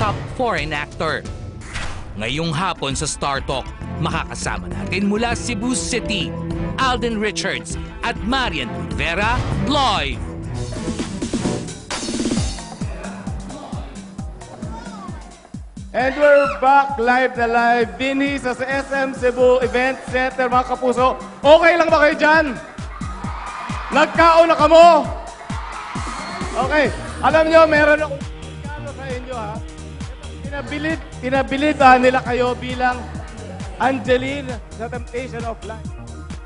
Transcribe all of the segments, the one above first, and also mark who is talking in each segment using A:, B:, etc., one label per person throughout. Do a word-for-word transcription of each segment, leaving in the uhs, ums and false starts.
A: top foreign actor. Ngayong hapon sa Star Talk, makakasama natin mula Cebu City, Alden Richards at Marian Rivera live.
B: And we're back live na live. Vinny sa S M Cebu Event Center, mga kapuso. Okay lang ba kayo dyan? Nagkaon na kamo? Okay. Alam nyo, meron akong regalo sa inyo, ha? Pinabilid, pinabilid ha, nila kayo bilang Angeline sa Temptation of Life.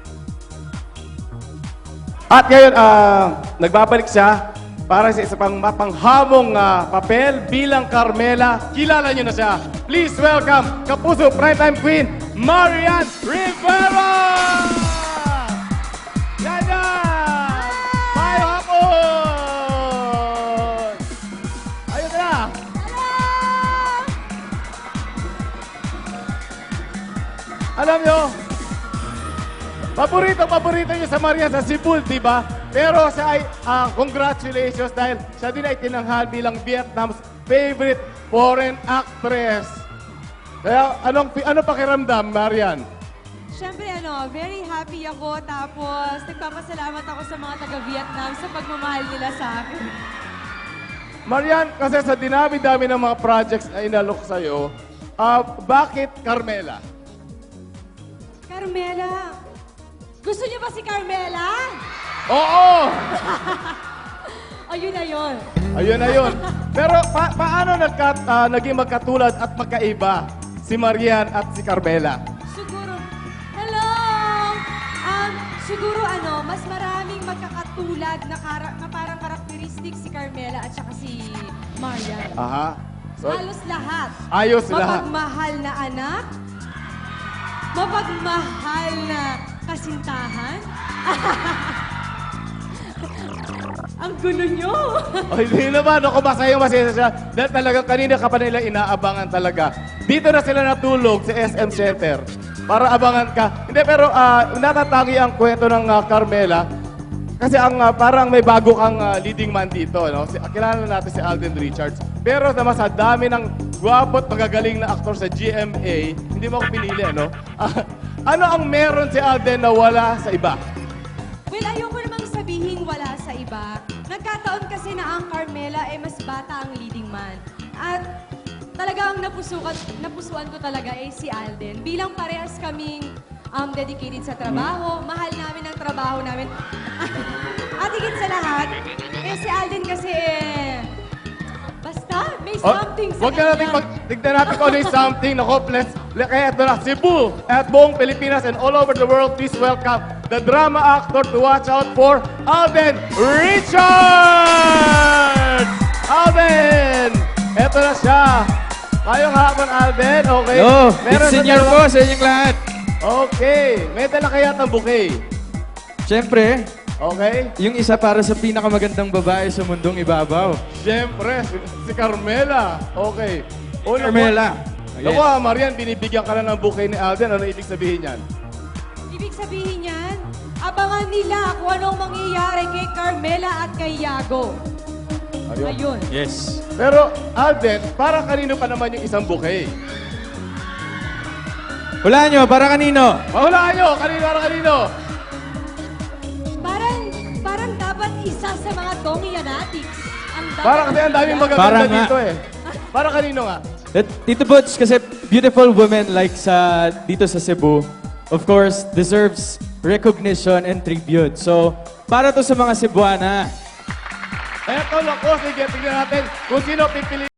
B: At ngayon, ah, nagbabalik siya para sa isa pang mapanghamong uh, papel bilang Carmela. Kilala niyo na siya. Please welcome Kapuso Primetime Queen, Marian Rivera! Yan yan! Tayo hapon! Ayun na! Alam nyo, paborito, paborito niyo sa Marian sa Cebu, di ba? Pero siya ay, uh, congratulations dahil siya din ay tinanghal bilang Vietnam's favorite foreign actress. Kaya, anong, ano pakiramdam, Marian?
C: Siyempre, ano, very happy ako. Tapos, nagpapasalamat ako sa mga taga-Vietnam sa pagmamahal nila sa akin.
B: Marian, kasi sa dinami-dami ng mga projects na inalok sa'yo, uh, bakit Carmela?
C: Carmela! Gusto niyo ba si Carmela?
B: Oo!
C: Ayun na yun.
B: Ayun na yun. Pero pa paano nagka, uh, naging magkatulad at magkaiba si Marian at si Carmela?
C: Siguro, hello! Um, siguro ano, mas maraming magkakatulad na, kara na parang karakteristik si Carmela at saka si Marian.
B: Aha. So,
C: Halos lahat.
B: ayos lahat.
C: Mapagmahal na anak, mapagmahal na kasintahan. Ang gulo nyo!
B: Ay, hindi naman. Ako masaya masaya siya. Dahil talagang kanina ka pa nila inaabangan talaga. Dito na sila natulog sa S M Center. Para abangan ka. Hindi, pero uh, natatangi ang kwento ng uh, Carmela. Kasi ang uh, parang may bago kang uh, leading man dito. No? Si, kilala natin si Alden Richards. Pero naman sa dami ng gwapo at magagaling na aktor sa G M A, hindi mo ako pinili, ano? Uh, ano ang meron si Alden na wala sa iba?
C: Well, ayoko namang sabihin wala sa iba. Nagkataon kasi na ang Carmela ay mas bata ang leading man. At talagang napusukan, napusuan ko talaga ay si Alden. Bilang parehas kaming um, dedicated sa trabaho, mahal namin ang trabaho namin. At higit sa lahat, eh si Alden kasi eh, basta may something sa
B: Huwag na natin
C: kanya.
B: mag... Tignan natin kung ano yung something. Naku, let's... Kaya ito na, Cebu at buong Pilipinas and all over the world, please welcome the drama actor to watch out for, Alden Richards! Alden! Ito na siya. Ngayong hapon, Alden. Okay.
D: Yo,
B: Meron
D: it's
B: sa
D: senior
B: dalawa-
D: po sa inyong lahat.
B: Okay. May dala kaya ng bouquet.
D: Siyempre,
B: Okay?
D: yung isa para sa pinakamagandang babae sa mundong ibabaw.
B: Siyempre, si, si Carmela. Okay. Una po-
D: Carmela.
B: Naku, ah, Marian, binibigyan ka na ng bouquet ni Alden. Ano ibig sabihin yan?
C: Ibig sabihin yan, abangan nila kung anong mangyayari kay Carmela at kay Yago.
B: Ayun.
C: Ayun.
D: Yes.
B: Pero, Alden, para kanino pa naman yung isang bouquet?
D: Wala nyo, para kanino?
B: Mahulaan nyo! Kanino, para kanino?
C: Parang, parang dapat isa sa mga Tongi Yanatics. Ang dapat
B: Para kasi ang daming
D: Para
B: magaganda
D: nga.
B: dito eh. Para kanino nga?
D: At Tito Butch, kasi beautiful women like sa dito sa Cebu, of course, deserves recognition and tribute. So, para to sa mga Cebuana.
B: Eto, lako, sige, tignan natin kung sino pipili.